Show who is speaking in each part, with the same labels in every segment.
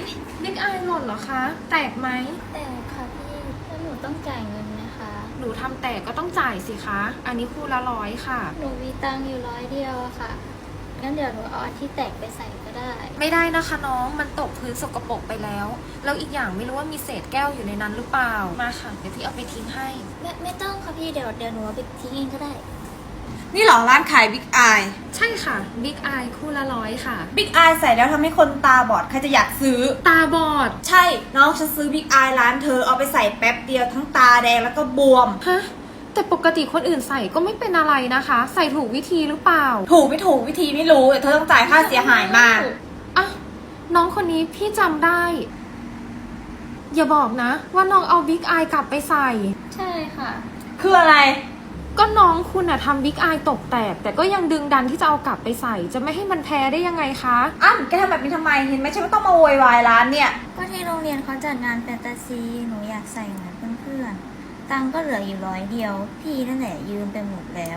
Speaker 1: บิ๊กอายหล่นเหรอคะ แตกไหม
Speaker 2: แต่ค่ะพี่แล้วหนูต้องจ่ายเงินไหมคะ
Speaker 1: หนูทำแตกก็ต้องจ่ายสิคะ อันนี้คู่ละ100ค่ะ
Speaker 2: หนูมีตังค์อยู่100 เดียวอะค่ะงั้นเดี๋ยวหนูเอาอันที่แตกไปใส่ก็ได้
Speaker 1: ไม่ได้นะคะน้อง มันตกพื้นสกปรกไปแล้ว แล้วอีกอย่างไม่รู้ว่ามีเศษแก้วอยู่ในนั้นหรือเปล่า มาค่ะ เดี๋ยวพี่เอาไปทิ้งให้
Speaker 2: ไม่ต้องค่ะพี่เดี๋ยวหนูเอาไปทิ้งเองก็ได้
Speaker 3: นี่เหรอร้านขายบิ๊กอาย
Speaker 1: ใช่ค่ะ บิ๊กอายคู่ละ100ค่ะ
Speaker 3: บิ๊กอายใส่แล้วทำให้คนตาบอดใครจะอยากซื้อ
Speaker 1: ตาบอด
Speaker 3: ใช่ น้องฉันซื้อบิ๊กอายร้านเธอเอาไปใส่แป๊บเดียวทั้งตาแดงแล้วก็บวม
Speaker 1: ฮะ แต่ปกติคนอื่นใส่ก็ไม่เป็นอะไรนะคะ ใส่ถูกวิธีหรือเปล่า
Speaker 3: ถูกไม่ถูกวิธีไม่รู้แต่เธอต้องจ่ายค่าเสียหายมา
Speaker 1: อ่ะ น้องคนนี้พี่จำได้ อย่าบอกนะ ว่าน้องเอาบิ๊กอายกลับไปใส่
Speaker 2: ใช่ค่ะ
Speaker 3: คืออะไร
Speaker 1: ก็น้องคุณอะทำบิ๊กอายตกแตก แต่ก็ยังดึงดันที่จะเอากลับไปใส่ จะไม่ให้มันแพ้ได้ยังไงคะ
Speaker 3: แกทำแบบนี้ทำไมเห็นไหมฉันก็ต้องมาโวยวายร้านเนี่ย
Speaker 2: ก็ที่โรงเรียนเขาจัดงานแฟนตาซีหนูอยากใส่เหมือนเพื่อนๆตังค์ก็เหลืออยู่100 เดียว พี่นั่นแหละยืมไปหมดแล้ว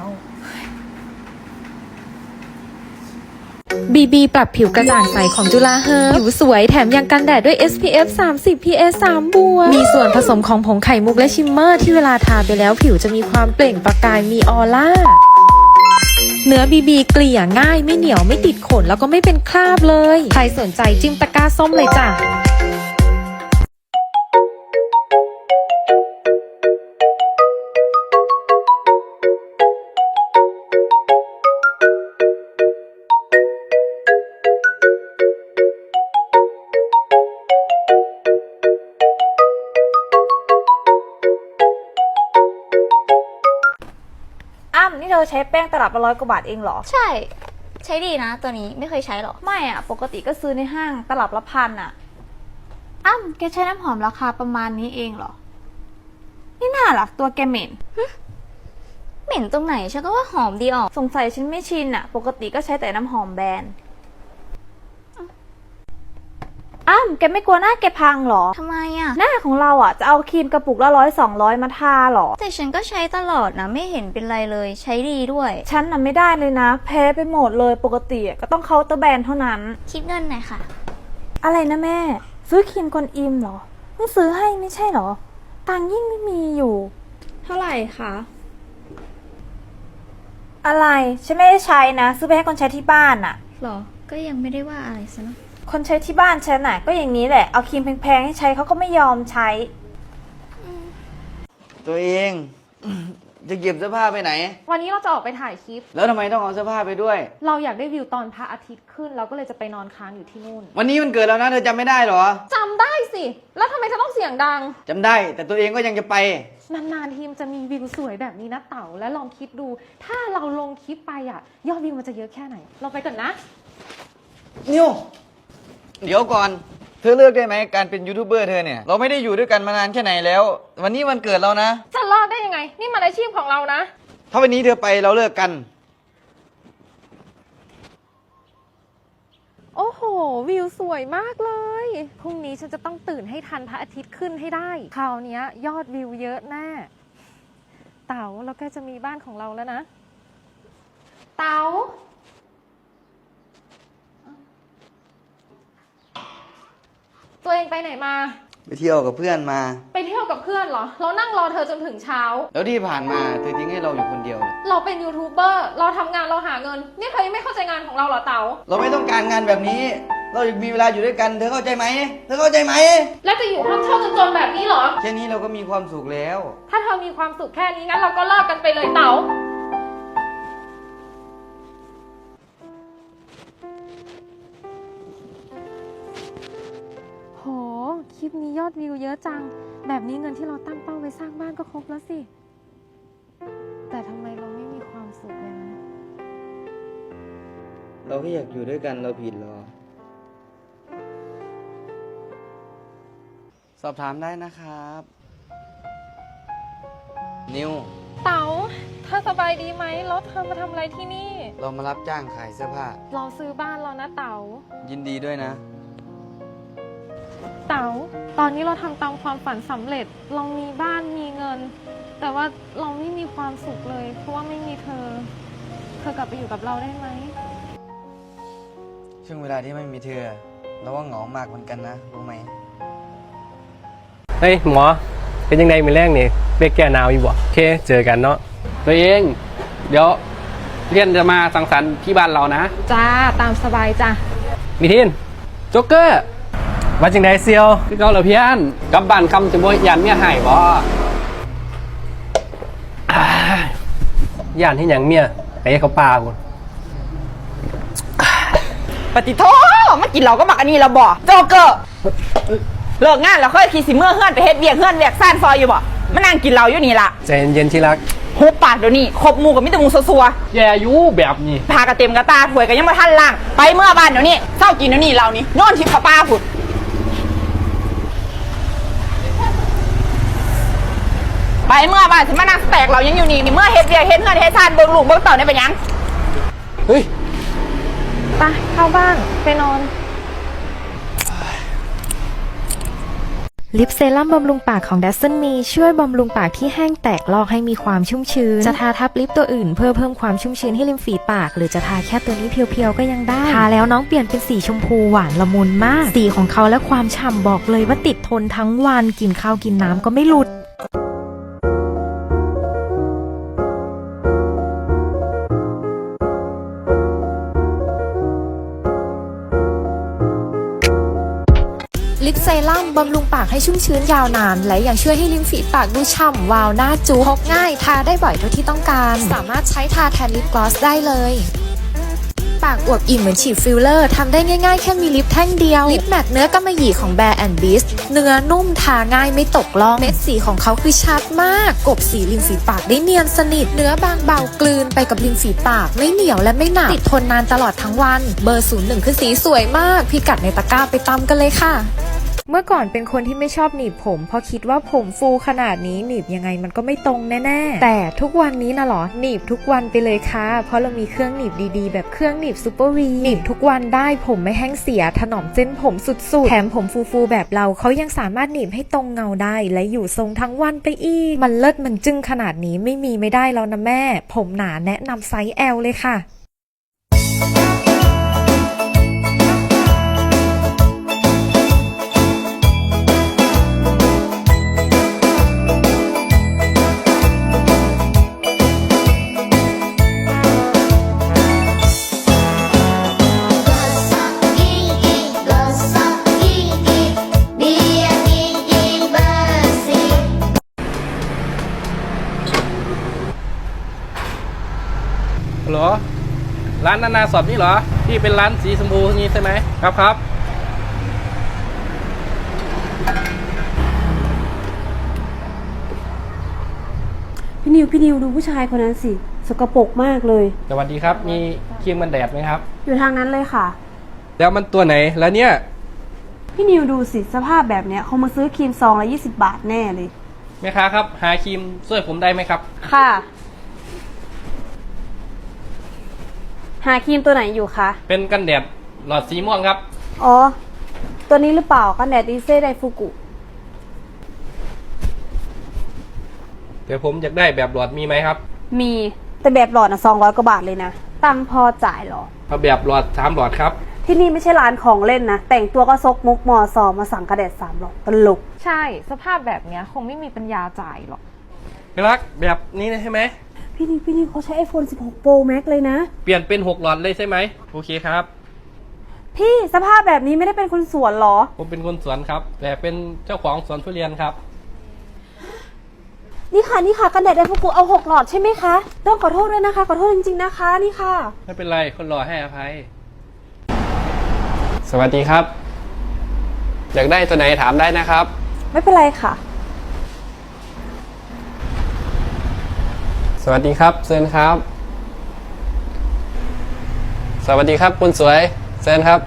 Speaker 4: BB ปรับผิวกระจ่างใสของจุฬาเฮิร์บผิวสวยแถมยังกันแดดด้วย SPF 30 PA 3 บวกมีส่วนผสมของผงไข่มุกและชิมเมอร์ที่เวลาทาไปแล้วผิวจะมีความเปล่งประกายมีออร่า เนื้อ BB เกลี่ยง่ายไม่เหนียวไม่ติดขนแล้วก็ไม่เป็นคราบเลย ใครสนใจจิ้มตะกร้าส้มเลยจ้ะ
Speaker 3: นี่เธอใช้แป้งตลับละ100 กว่าบาทเองเหรอ
Speaker 2: ใช่ ใช้ดีนะตัวนี้ไม่เคยใช้หรอ
Speaker 3: ไม่อ่ะ ปกติก็ซื้อในห้างตลับละ1,000อ่ะ
Speaker 2: แกใช้น้ำหอมราคาประมาณนี้เองเหรอ
Speaker 3: นี่น่าล่ะตัวแกเหม็น
Speaker 2: เหม็นตรงไหนฉันก็ว่าหอมดีออก
Speaker 3: สงสัยฉันไม่ชินอ่ะ ปกติก็ใช้แต่น้ำหอมแบรนด์แกไม่กลัวหน้าแกพังเหรอ
Speaker 2: ทำไมอ่ะ
Speaker 3: หน้าของเราอ่ะจะเอาครีมกระปุกละ100-200มาทาเหรอ
Speaker 2: แต่ฉันก็ใช้ตลอดนะไม่เห็นเป็นไรเลยใช้ดีด้วย
Speaker 3: ฉันน่ะไม่ได้เลยนะ แพ้ไปหมดเลยปกติก็ต้องเคาน์เตอร์แบรนด์เท่านั้น
Speaker 2: คิดเงินหน่อยค่ะ
Speaker 3: อะไรนะแม่ ซื้อครีมกวนอิมเหรอเพิ่งซื้อให้ไม่ใช่เหรอ ตังค์ยิ่งไม่มีอยู่
Speaker 4: เท่าไหร่คะ
Speaker 3: อะไรฉันไม่ได้ใช้นะ ซื้อไปให้คนใช้ที่บ้านอ่ะ
Speaker 2: หรอ ก็ยังไม่ได้ว่าอะไรซะนะ
Speaker 3: คนใช้ที่บ้านฉันน่ะก็อย่างนี้แหละเอาครีมแพงๆให้ใช้เขาก็ไม่ยอมใช้
Speaker 5: ตัวเอง จะเก็บเสื้อผ้าไปไหน
Speaker 1: วันนี้เราจะออกไปถ่ายคลิป
Speaker 5: แล้วทำไมต้องเอาเสื้อผ้าไปด้วย
Speaker 1: เราอยากได้วิวตอนพระอาทิตย์ขึ้น เราก็เลยจะไปนอนค้างอยู่ที่นู่น
Speaker 5: วันนี้มันเกิดแล้วนะเธอจำไม่ได้เหรอ
Speaker 1: จำได้สิ แล้วทำไมเธอต้องเสียงดัง
Speaker 5: จำได้ แต่ตัวเองก็ยังจะไป
Speaker 1: นานๆทีมจะมีวิวสวยแบบนี้นะเต๋า และลองคิดดู ถ้าเราลงคลิปไปอ่ะ ยอดวิวมันจะเยอะแค่ไหน เราไปก่อนนะ
Speaker 5: นิว เดี๋ยวก่อน เธอเลิกได้ไหมการเป็นยูทูบเบอร์เธอเนี่ย เราไม่ได้อยู่ด้วยกันมานานแค่ไหนแล้ว วันนี้วันเกิดเรานะ
Speaker 1: จะเลิกได้ยังไง นี่มันอาชีพของเรานะ
Speaker 5: ถ้าวันนี้เธอไปเราเลิกกัน
Speaker 1: โอ้โห วิวสวยมากเลย พรุ่งนี้ฉันจะต้องตื่นให้ทันพระอาทิตย์ขึ้นให้ได้ คราวนี้ยอดวิวเยอะแน่ เต๋าเราใกล้จะมีบ้านของเราแล้วนะ เต๋า ตัวเองไปไหนมา
Speaker 5: ไปเที่ยวกับเพื่อนมา
Speaker 1: ไปเที่ยวกับเพื่อนเหรอ เรานั่งรอเธอจนถึงเช้า
Speaker 5: แล้วที่ผ่านมาเธอทิ้งให้เราอยู่คนเดียว
Speaker 1: เราเป็นยูทูบเบอร์ เราทำงานเราหาเงิน นี่เธอยังไม่เข้าใจงานของเราเหรอเต๋า
Speaker 5: เราไม่ต้องการงานแบบนี้ เราอยากมีเวลาอยู่ด้วยกัน เธอเข้าใจไหม เธอเข้าใจไหม
Speaker 1: แล้วจะอยู่ห้องเช่าจนๆแบบนี้เหรอ
Speaker 5: แค่นี้เราก็มีความสุขแล้ว
Speaker 1: ถ้าเธอมีความสุขแค่นี้งั้นเราก็เลิกกันไปเลยเต๋า โห คลิปนี้ยอดวิวเยอะจัง แบบนี้เงินที่เราตั้งเป้าไว้สร้างบ้านก็ครบแล้วสิ แต่ทำไมเราไม่มีความสุขเลยนะ
Speaker 5: เราแค่อยากอยู่ด้วยกันเราผิดเหรอ สอบถามได้นะครับ นิว
Speaker 1: เต๋าเธอสบายดีไหมแล้วเธอมาทำอะไรที่นี่
Speaker 5: เรามารับจ้างขายเสื้อผ้า
Speaker 1: เราซื้อบ้านแล้วนะเต๋า
Speaker 5: ยินดีด้วยนะ
Speaker 1: เต๋า ตอนนี้เราทำตามความฝันสำเร็จ เรามีบ้านมีเงิน แต่ว่าเราไม่มีความสุขเลย เพราะว่าไม่มีเธอ เธอกลับไปอยู่กับเราได้ไหม
Speaker 5: ช่วงเวลาที่ไม่มีเธอ ผเราว่าเหงามากเหมือนกันนะรู้ไหม
Speaker 6: เฮ้ยหมอเป็นยังไงมือแรกนี่เรียกแก้หนาวอยู่บ่โอเคเจอกันเนาะ
Speaker 7: ตัวเอง เดี๋ยวเรียนจะมาสังสรรค์ที่บ้านเรานะ
Speaker 1: จ้า ตามสบายจ้ะ
Speaker 6: มีทิน
Speaker 7: โจ๊กเกอร์
Speaker 6: ว่าจังไดเซียว
Speaker 7: คือเกาเหรอเพี้ยนกลับบ้านคำจะบ่ยันเมียหายบ่
Speaker 6: ย่านที่หยังเมียไปให้เขาปลากู
Speaker 8: ปฏิโทมากินเราก็มักอันนี้เราบ่โจเกอร์เลิกงานแล้วค่อยขี่สิเมื่อเฮือนไปเฮ็ดเวียกเฮือนเวียกซ่านซอยอยู่บ่มานั่งกินเราอยู่นี่ล่ะ
Speaker 6: ใจเย็นๆที่รัก
Speaker 8: หุบปากเดี๋ยวนี้ครบหมู่กับมิตรหมู่ซัว
Speaker 7: แย่อยู่แบบนี้
Speaker 8: ๆพากระเต็มกระตาถวยกันยังบ่ทันล่างไปเมื่อบ้านเดี๋ยวนี้เศร้ากินเดี๋ยวนี้เรานี่นอนที่ป้าผุดไปเมื่อบ้านสิมานั่งแตกเรายังอยู่นี่เมื่อเฮ็ดเวียกเฮ็ดเฮือนเฮ็ดซ่านเบิ่งลูกเบิ่งเต่าได้เป็นหยัง
Speaker 7: เฮ้ย
Speaker 1: ไปเข้าบ้านไปนอน
Speaker 4: ลิปเซรั่มบำรุงปากของ Dasson Me ช่วยบำรุงปากที่แห้งแตกลอกให้มีความชุ่มชื้น จะทาทับลิปตัวอื่นเพื่อเพิ่มความชุ่มชื้นให้ริมฝีปาก หรือจะทาแค่ตัวนี้เพียวๆก็ยังได้ ทาแล้วน้องเปลี่ยนเป็นสีชมพูหวานละมุนมาก สีของเขาและความฉ่ำบอกเลยว่าติดทนทั้งวันกินข้าวกินน้ำก็ไม่หลุด ลิปเซรั่มบำรุงปากให้ชุ่มชื้นยาวนาน และยังช่วยให้ริมฝีปากดูฉ่ำวาวหน้าจุ๊พกง่ายทาได้บ่อยเท่าที่ต้องการ สามารถใช้ทาแทนลิปกลอสได้เลย ปากอวบอิ่มเหมือนฉีดฟิลเลอร์ทำได้ง่ายๆแค่มีลิปแท่งเดียว ลิปแมทเนื้อกำมะหยี่ของ Bare and Beast เนื้อนุ่มทาง่ายไม่ตกล่องเม็ดสีของเขาคือชัดมากกบสีริมฝีปากได้เนียนสนิทเนื้อบางเบากลืนไปกับริมฝีปากไม่เหนียวและไม่หนักติดทนนานตลอดทั้งวันเบอร์ 01 คือสีสวยมากพิกัดในตะกร้าไปตามกันเลยค่ะเมื่อก่อนเป็นคนที่ไม่ชอบหนีบผมเพราะคิดว่าผมฟูขนาดนี้หนีบยังไงมันก็ไม่ตรงแน่ๆแต่ทุกวันนี้นะหรอหนีบทุกวันไปเลยค่ะเพราะเรามีเครื่องหนีบดีๆแบบเครื่องหนีบซูเปอร์วีหนีบทุกวันได้ผมไม่แห้งเสียถนอมเส้นผมสุดๆแถมผมฟูๆแบบเราเขายังสามารถหนีบให้ตรงเงาได้และอยู่ทรงทั้งวันไปอีกมันเลิศมันจึ้งขนาดนี้ไม่มีไม่ได้แล้วนะแม่ผมหนาแนะนำไซส์ L เลยค่ะ
Speaker 7: เหรอ ร้านนานาสอบนี่เหรอ ที่เป็นร้านสีชมพูนี้ใช่ไหมครับครับ
Speaker 3: พี่นิวดูผู้ชายคนนั้นสิสกปรกมากเลย
Speaker 7: สวัสดีครับ มีครีมกันแดดไหมครับ
Speaker 3: อยู่ทางนั้นเลยค่ะ
Speaker 7: แล้วมันตัวไหนแล้วเนี่ย
Speaker 3: พี่นิวดูสิสภาพแบบเนี้ยเขามาซื้อครีมซองละ20 บาทแน่เลย
Speaker 7: แม่ค้าครับ หาครีมช่วยผมได้ไหมครับ
Speaker 3: ค่ะ หาครีมตัวไหนอยู่คะ
Speaker 7: เป็นกันแดดหลอดสีม่วงครับ
Speaker 3: อ๋อ ตัวนี้หรือเปล่ากันแดดดีเซ่ไดฟูกุ
Speaker 7: เดี๋ยวผมอยากได้แบบหลอดมีไหมครับ
Speaker 3: มีแต่แบบหลอดนะ200 กว่าบาทเลยนะตังค์พอจ่ายเหรอ
Speaker 7: เอาแบบหลอด3หลอดครับ
Speaker 3: ที่นี่ไม่ใช่ร้านของเล่นนะ แต่งตัวก็ซกมุกมอซอมาสั่งกระแดด3 หลอดตลก
Speaker 1: ใช่สภาพแบบเนี้ยคงไม่มีปัญญาจ่ายหรอก
Speaker 7: พี่รักแบบนี้ใช่ไหม
Speaker 3: พี่นิวเขาใช้ iPhone 16 Pro Max เลยนะ
Speaker 7: เปลี่ยนเป็น6หลอดเลยใช่ไหมโอเคครับ
Speaker 3: พี่สภาพแบบนี้ไม่ได้เป็นคนสวนเหรอ
Speaker 7: ผมเป็นคนสวนครับ แต่เป็นเจ้าของสวนทุเรียนครับ
Speaker 3: นี่ค่ะกันแดดไดฟูกุเอา6 หลอดใช่ไหมคะ ต้องขอโทษด้วยนะคะ ขอโทษจริงๆนะคะนี่ค่ะ
Speaker 7: ไม่เป็นไรคนรอให้อภัย สวัสดีครับ อยากได้ตัวไหนถามได้นะครับ
Speaker 3: ไม่เป็นไรค่ะ
Speaker 7: สวัสดีครับเซนครับ สวัสดีครับคุณสวยเซนครับ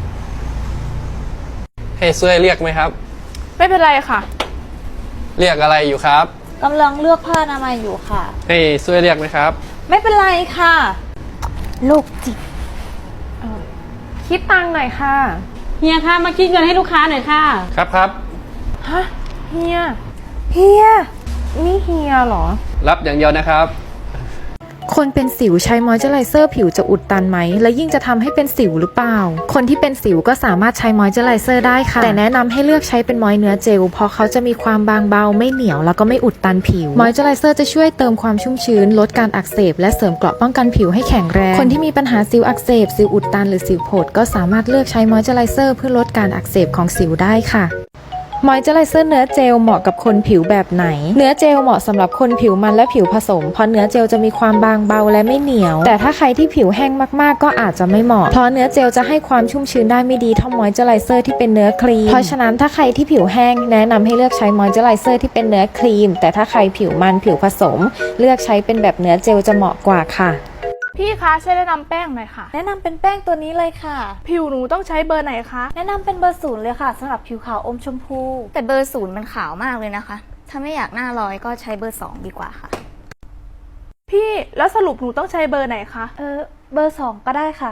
Speaker 7: ให้ช่วยเรียกไหมครับ
Speaker 8: ไม่เป็นไรค่ะ
Speaker 7: เรียกอะไรอยู่ครับ
Speaker 2: กำลังเลือกผ้าอนามัยอยู่ค่ะ
Speaker 7: ให้ช่วยเรียกไหมครับ
Speaker 2: ไม่เป็นไรค่ะ
Speaker 3: โลกจิต
Speaker 1: คิดตังค์หน่อยค่ะ
Speaker 9: เฮียคะมาคิดเงินให้ลูกค้าหน่อยค่ะ
Speaker 7: ครับครับ
Speaker 1: ฮะเฮีย
Speaker 3: เฮีย
Speaker 1: นี่เฮียเหรอ
Speaker 7: รับอย่างเดียวนะครับ
Speaker 4: คนเป็นสิวใช้มอยเจอไรเซอร์ผิวจะอุดตันไหมและยิ่งจะทำให้เป็นสิวหรือเปล่าคนที่เป็นสิวก็สามารถใช้มอยเจอไรเซอร์ได้ค่ะแต่แนะนำให้เลือกใช้เป็นมอยเนื้อเจลเพราะเขาจะมีความบางเบาไม่เหนียวแล้วก็ไม่อุดตันผิวมอยเจอไรเซอร์จะช่วยเติมความชุ่มชื้นลดการอักเสบและเสริมเกราะป้องกันผิวให้แข็งแรงคนที่มีปัญหาสิวอักเสบสิวอุดตันหรือสิวโผดก็สามารถเลือกใช้มอยเจอไรเซอร์เพื่อลดการอักเสบของสิวได้ค่ะมอยเจอไรเซอร์เนื้อเจลเหมาะกับคนผิวแบบไหนเนื้อเจลเหมาะสำหรับคนผิวมันและผิวผสมเพราะเนื้อเจลจะมีความบางเบาและไม่เหนียวแต่ถ้าใครที่ผิวแห้งมากๆก็อาจจะไม่เหมาะเพราะเนื้อเจลจะให้ความชุ่มชื้นได้ไม่ดีเท่ามอยเจอไรเซอร์ที่เป็นเนื้อครีมเพราะฉะนั้นถ้าใครที่ผิวแห้งแนะนำให้เลือกใช้มอยเจอไรเซอร์ที่เป็นเนื้อครีมแต่ถ้าใครผิวมันผิวผสมเลือกใช้เป็นแบบเนื้อเจลจะเหมาะกว่าค่ะ
Speaker 10: พี่คะช่วยแนะนำแป้งหน่อยค่ะ
Speaker 3: แนะนำเป็นแป้งตัวนี้เลยค่ะ
Speaker 10: ผิวหนูต้องใช้เบอร์ไหนคะ
Speaker 3: แนะนำเป็นเบอร์ 0เลยค่ะสำหรับผิวขาวอมชมพู
Speaker 2: แต่เบอร์ 0มันขาวมากเลยนะคะ ถ้าไม่อยากหน้าลอยก็ใช้เบอร์ 2 ดีกว่าค่ะ
Speaker 10: พี่แล้วสรุปหนูต้องใช้เบอร์ไหนคะ
Speaker 3: เบอร์ 2ก็ได้ค่ะ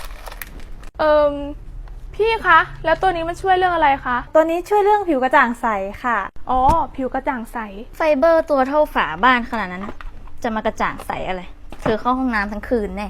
Speaker 10: พี่คะแล้วตัวนี้มันช่วยเรื่องอะไรคะ
Speaker 3: ตัวนี้ช่วยเรื่องผิวกระจ่างใสค่ะ
Speaker 10: อ๋อผิวกระจ่างใส
Speaker 2: ไฟเบอร์ตัวเท่าฝาบ้านขนาดนั้น จะมากระจ่างใสอะไร เธอเข้าห้องน้ำทั้งคืนแน่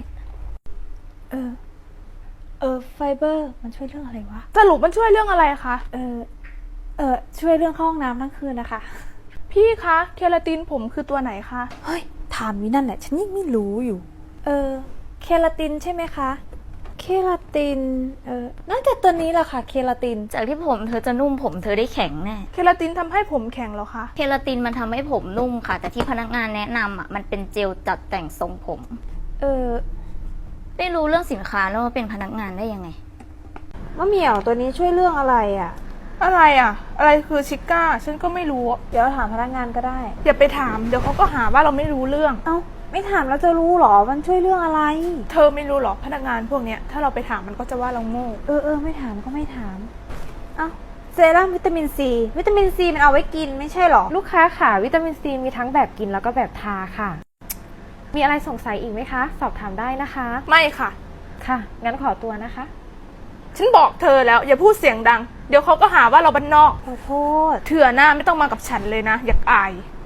Speaker 3: ไฟเบอร์มันช่วยเรื่องอะไรวะ
Speaker 10: สรุปมันช่วยเรื่องอะไรคะ
Speaker 3: ช่วยเรื่องเข้าห้องน้ำทั้งคืนนะคะ
Speaker 10: พี่คะเคราตินผมคือตัวไหนคะ
Speaker 3: เฮ้ยถามวินั่นแหละฉันยังไม่รู้อยู่ เคราตินใช่ไหมคะ เคราติน น่าจะตัวนี้แหละค่ะ เคราติน
Speaker 2: จากที่ผมเธอจะนุ่มผมเธอได้แข็งแน่
Speaker 10: เคราตินทำให้ผมแข็งเหรอคะ
Speaker 2: เคราตินมันทำให้ผมนุ่มค่ะ แต่ที่พนักงานแนะนำมันเป็นเจลจัดแต่งทรงผม ไม่รู้เรื่องสินค้าแล้วมาเป็นพนักงานได้ยังไง
Speaker 3: มะเหมี่ยวตัวนี้ช่วยเรื่องอะไรอ่ะ
Speaker 10: อะไรอ่ะ อะไรคือชิก้าฉันก็ไม่รู้
Speaker 3: เดี๋ยวถามพนักงานก็ได้
Speaker 10: อย่าไปถามเดี๋ยวเขาก็หาว่าเราไม่รู้เรื่อง
Speaker 3: เอ้าไม่ถามแล้วจะรู้หรอมันช่วยเรื่องอะไร
Speaker 10: เธอไม่รู้หรอกพนักงานพวกเนี้ยถ้าเราไปถามมันก็จะว่าเราโง่
Speaker 3: ไม่ถามก็ไม่ถาม เอ้าเซรั่มวิตามินซีวิตามินซีมันเอาไว้กินไม่ใช่หรอ
Speaker 1: ลูกค้าค่ะวิตามินซีมีทั้งแบบกินแล้วก็แบบทาค่ะ มีอะไรสงสัยอีกไหมคะ สอบถามได้นะคะ
Speaker 10: ไม่ค่ะ
Speaker 1: ค่ะ งั้นขอตัวนะคะ
Speaker 10: ฉันบอกเธอแล้วอย่าพูดเสียงดัง เดี๋ยวเขาก็หาว่าเราบ้านนอก
Speaker 3: ขอโทษ
Speaker 10: เถื่อหน้าไม่ต้องมากับฉันเลยนะ อยากอาย